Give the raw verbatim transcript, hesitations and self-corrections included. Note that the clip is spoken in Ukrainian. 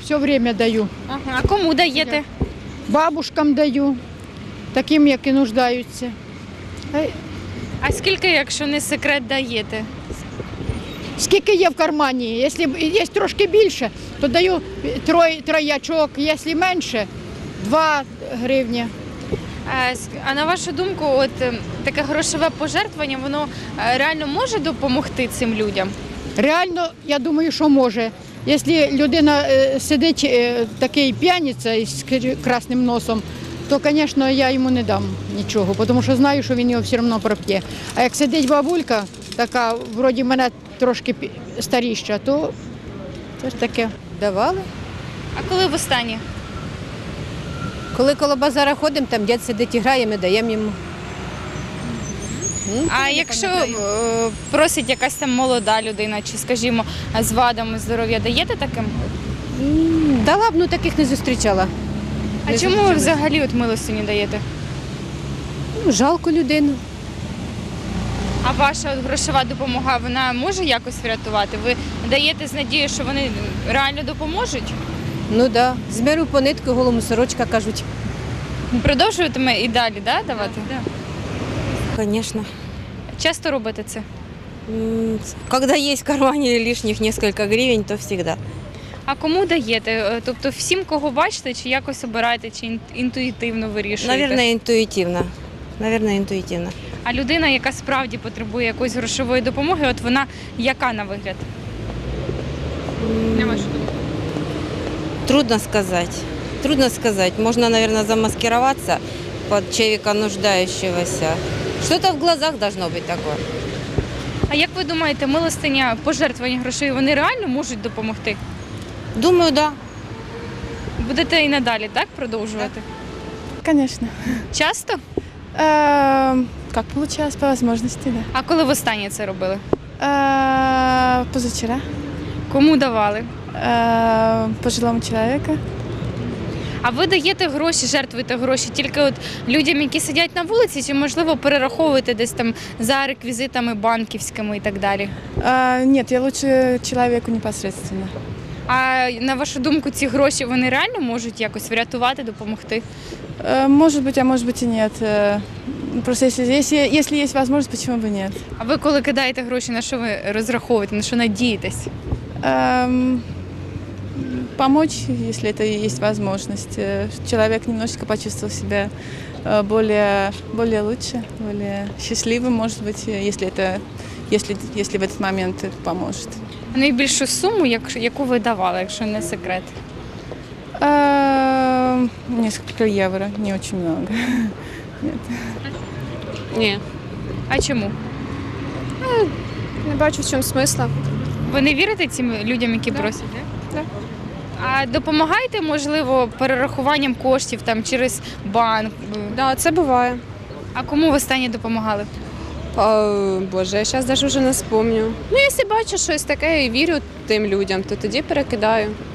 все время даю. Ага. А кому даєте? Бабушкам даю, таким, які нуждаються. Е, А скільки, якщо не секрет, даєте? Скільки є в кармані? Якщо є трошки більше, то даю трой, троячок, якщо менше, два гривні. А, с- а на вашу думку, от е, таке грошове пожертвування, воно е, реально може допомогти цим людям? Реально, я думаю, що може. Якщо людина е, сидить е, такий п'яниця із кр- красним носом, то, звісно, я йому не дам нічого, тому що знаю, що він його все одно проп'є. А як сидить бабулька, така, вроді мене трошки пі- старіша, то це ж таке. Давали. А коли востаннє? Коли коло базара ходимо, там дід сидить і грає, ми даємо йому. Ну, А не якщо пам'ятаю. е, просить якась там молода людина, чи, скажімо, з вадами здоров'я, даєте таким? М, Дала б, ну таких не зустрічала. А Не чому ви зустрічалась. взагалі от милостиню даєте? Ну, жалко людину. А ваша от грошова допомога, вона може якось врятувати? Ви даєте з надією, що вони реально допоможуть? Ну так, да. З миру по нитку, голому сорочка, кажуть. Продовжуватиме і далі, да, давати? Конечно. Часто робите це? М, Когда есть в кармане лишних несколько гривен, то всегда. А кому даєте? Е, Тобто всім, кого бачите, чи якось обираєте, чи ін- інтуїтивно вирішуєте? Наверное, интуитивно. Наверное, интуитивно. А людина, яка справді потребує якоїсь грошової допомоги, от вона яка на вигляд? На вашу думку? Трудно сказать. Трудно сказать. Можно, наверное, замаскироваться под человека нуждающегося. Что-то в глазах должно быть такое. А як ви думаєте, милостиня, пожертвування грошей, вони реально можуть допомогти? Думаю, да. Будете і надалі так продовжувати? Конечно. Часто? Эм, Как получалось, по возможности, да. А коли востаннє це робили? Э, Позавчера Кому давали? э, пожилому человеку. А ви даєте гроші, жертвуєте гроші тільки от людям, які сидять на вулиці, чи можливо перераховуєте десь там за реквізитами банківськими і так далі? Э, Нет, я лучше человеку непосредственно. А на вашу думку, ці гроші вони реально можуть якось врятувати, допомогти? Э, Может быть, а может быть и нет. Э, Просто если, если, если есть возможность, почему бы нет? А ви коли кидаєте гроші, на що ви розраховуєте, на що надієтесь? Эм, Помочь, если это есть возможность. Э, Человек немножечко почувствовал себя э, более, более лучше, более счастливым, может быть, э, если, это, если, если в этот момент это поможет. Найбільшу суму, як- яку ви давали, якщо не секрет? Эм, Несколько евро, не очень много. Ні, А чому? не бачу в чому смисла. Ви не вірите цим людям, які просять? Да. А допомагаєте, можливо, перерахуванням коштів там через банк? Да, це буває. А кому ви останнє допомагали? А, Боже, я зараз навіть вже не спомню. Ну, якщо бачу щось таке і вірю тим людям, то тоді перекидаю.